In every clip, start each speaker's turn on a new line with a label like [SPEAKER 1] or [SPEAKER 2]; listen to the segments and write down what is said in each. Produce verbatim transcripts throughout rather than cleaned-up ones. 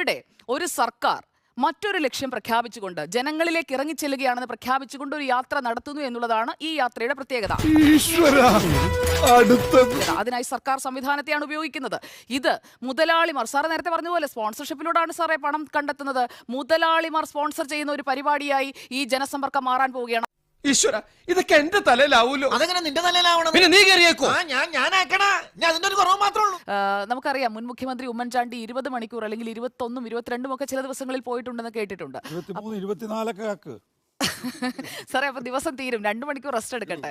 [SPEAKER 1] ഇവിടെ ഒരു സർക്കാർ മറ്റൊരു ലക്ഷ്യം പ്രഖ്യാപിച്ചുകൊണ്ട് ജനങ്ങളിലേക്ക് ഇറങ്ങിച്ചെല്ലുകയാണെന്ന് പ്രഖ്യാപിച്ചുകൊണ്ട് ഒരു യാത്ര നടത്തുന്നു എന്നുള്ളതാണ് ഈ യാത്രയുടെ പ്രത്യേകത. അതിനായി സർക്കാർ സംവിധാനത്തെയാണ് ഉപയോഗിക്കുന്നത്. ഇത് മുതലാളിമാർ, സാറ് നേരത്തെ പറഞ്ഞതുപോലെ സ്പോൺസർഷിപ്പിലൂടെയാണ് സാറേ പണം കണ്ടെത്തുന്നത്. മുതലാളിമാർ സ്പോൺസർ ചെയ്യുന്ന ഒരു പരിപാടിയായി ഈ ജനസമ്പർക്കം മാറാൻ പോവുകയാണ്.
[SPEAKER 2] ഈശ്വര, ഇതൊക്കെ എന്റെ തലയിലാവൂലോ?
[SPEAKER 3] അതെങ്ങനെ നിന്റെ തലയിലാവണം?
[SPEAKER 2] പിന്നെ നീ കയറിയേക്കോ?
[SPEAKER 3] ഞാൻ ഞാനാക്കണ ഞാൻ അതിന്റെ ഒരു കുറവ് മാത്രമേ ഉള്ളൂ.
[SPEAKER 1] നമുക്കറിയാം, മുൻ മുഖ്യമന്ത്രി ഉമ്മൻചാണ്ടി ഇരുപത് മണിക്കൂർ അല്ലെങ്കിൽ ഇരുപത്തൊന്നും ഇരുപത്തിരണ്ടും ഒക്കെ ചില ദിവസങ്ങളിൽ പോയിട്ടുണ്ടെന്ന് കേട്ടിട്ടുണ്ട്. സാറേ, അപ്പൊ ദിവസം തീരും, രണ്ടു മണിക്കൂർ റെസ്റ്റ് എടുക്കട്ടെ.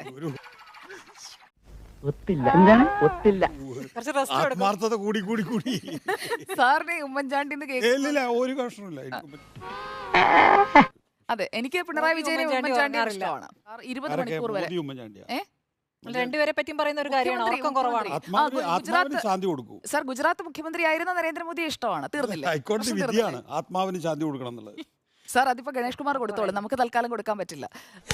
[SPEAKER 1] സാറിന് ഉമ്മൻചാണ്ടി അതെ, എനിക്ക് പിണറായി വിജയനെ ഉമ്മൻചാണ്ടി ഇഷ്ടമാണ്. ഇരുപത് മണിക്കൂർ വരെ
[SPEAKER 4] രണ്ടുപേരെ പറ്റിയും പറയുന്ന ഒരു കാര്യമാണ്.
[SPEAKER 1] സാർ, ഗുജറാത്ത് മുഖ്യമന്ത്രി ആയിരുന്ന നരേന്ദ്രമോദിയെ ഇഷ്ടമാണ്. തീർന്നില്ല.
[SPEAKER 5] ആത്മാവിന് ശാന്തി കൊടുക്കണം എന്നുള്ളത്.
[SPEAKER 1] സാർ, അതിപ്പോ ഗണേഷ് കുമാർ കൊടുത്തോളൂ, നമുക്ക് തൽക്കാലം കൊടുക്കാൻ പറ്റില്ല.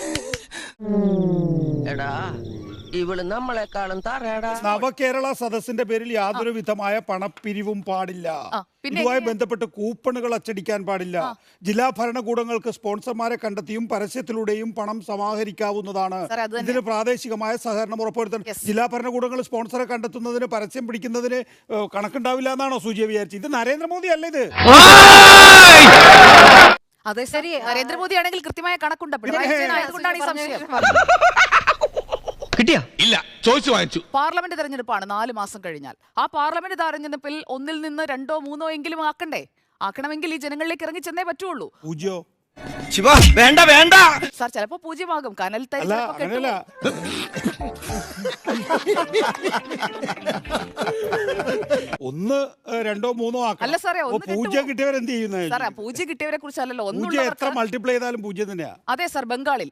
[SPEAKER 5] നവകേരള സദസ്സിന്റെ പേരിൽ യാതൊരു വിധമായ പണപ്പിരിവും പാടില്ല. ഇതുമായി ബന്ധപ്പെട്ട് കൂപ്പണുകൾ അച്ചടിക്കാൻ പാടില്ല. ജില്ലാ ഭരണകൂടങ്ങൾക്ക് സ്പോൺസർമാരെ കണ്ടെത്തിയും പരസ്യത്തിലൂടെയും പണം സമാഹരിക്കാവുന്നതാണ്. ഇതിന് പ്രാദേശികമായ സഹകരണം ഉറപ്പുവരുത്തണം. ജില്ലാ ഭരണകൂടങ്ങൾ സ്പോൺസറെ കണ്ടെത്തുന്നതിന്, പരസ്യം പിടിക്കുന്നതിന് കണക്കുണ്ടാവില്ല എന്നാണോ സൂചിയ വിചാരിച്ചത്? ഇത് നരേന്ദ്രമോദി അല്ല ഇത്.
[SPEAKER 1] അതെ, ശരി. നരേന്ദ്രമോദി ആണെങ്കിൽ കൃത്യമായ കണക്കുണ്ട്. അതുകൊണ്ടാണ് ഈ സംശയം.
[SPEAKER 2] കിട്ടിയാ? ഇല്ല, ചോദിച്ചു വാങ്ങിച്ചു.
[SPEAKER 1] പാർലമെന്റ് തെരഞ്ഞെടുപ്പാണ് നാല് മാസം കഴിഞ്ഞാൽ. ആ പാർലമെന്റ് തെരഞ്ഞെടുപ്പിൽ ഒന്നിൽ നിന്ന് രണ്ടോ മൂന്നോ എങ്കിലും ആക്കണ്ടേ? ആക്കണമെങ്കിൽ ഈ ജനങ്ങളിലേക്ക് ഇറങ്ങി ചെന്നേ പറ്റുള്ളൂ.
[SPEAKER 2] വേണ്ട വേണ്ട
[SPEAKER 1] സാർ, ചിലപ്പോ പൂജ്യമാകും. കനൽ തരി
[SPEAKER 5] ഒന്ന് രണ്ടോ മൂന്നോ
[SPEAKER 1] അല്ല സാറേ,
[SPEAKER 5] പൂജ്യം കിട്ടിയവർ എന്ത് ചെയ്യുന്നത്?
[SPEAKER 1] സാറേ, പൂജ്യം കിട്ടിയവരെ കുറിച്ചല്ലോ.
[SPEAKER 5] പൂജ്യം എത്ര മൾട്ടിപ്ലൈ ചെയ്താലും പൂജ്യം തന്നെയാ.
[SPEAKER 1] അതെ സാർ, ബംഗാളിൽ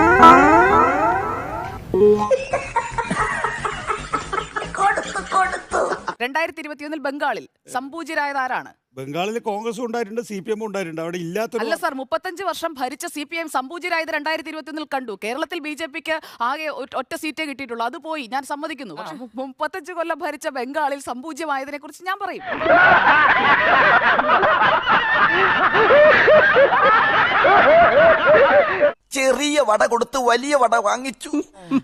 [SPEAKER 1] രണ്ടായിരത്തി ഇരുപത്തിയൊന്നിൽ ബംഗാളിൽ സംപൂജ്യരായത് ആരാണ്?
[SPEAKER 5] ബംഗാളിൽ കോൺഗ്രസ് ഉണ്ടായിട്ടുണ്ട്, സി പി എം ഉണ്ടായിട്ടുണ്ട്. അവിടെ ഇല്ലാത്ത
[SPEAKER 1] അല്ല സാർ, മുപ്പത്തഞ്ച് വർഷം ഭരിച്ച സി പി എം സംപൂജ്യരായത് രണ്ടായിരത്തി ഇരുപത്തിയൊന്നിൽ കണ്ടു. കേരളത്തിൽ ബി ജെ പിക്ക് ആകെ ഒറ്റ സീറ്റേ കിട്ടിയിട്ടുള്ളൂ, അത് പോയി, ഞാൻ സമ്മതിക്കുന്നു. പക്ഷെ മുപ്പത്തഞ്ച് കൊല്ലം ഭരിച്ച ബംഗാളിൽ സംപൂജ്യമായതിനെ കുറിച്ച് ഞാൻ പറയും.
[SPEAKER 3] ചെറിയ വട കൊടുത്ത് വലിയ വട വാങ്ങിച്ചു.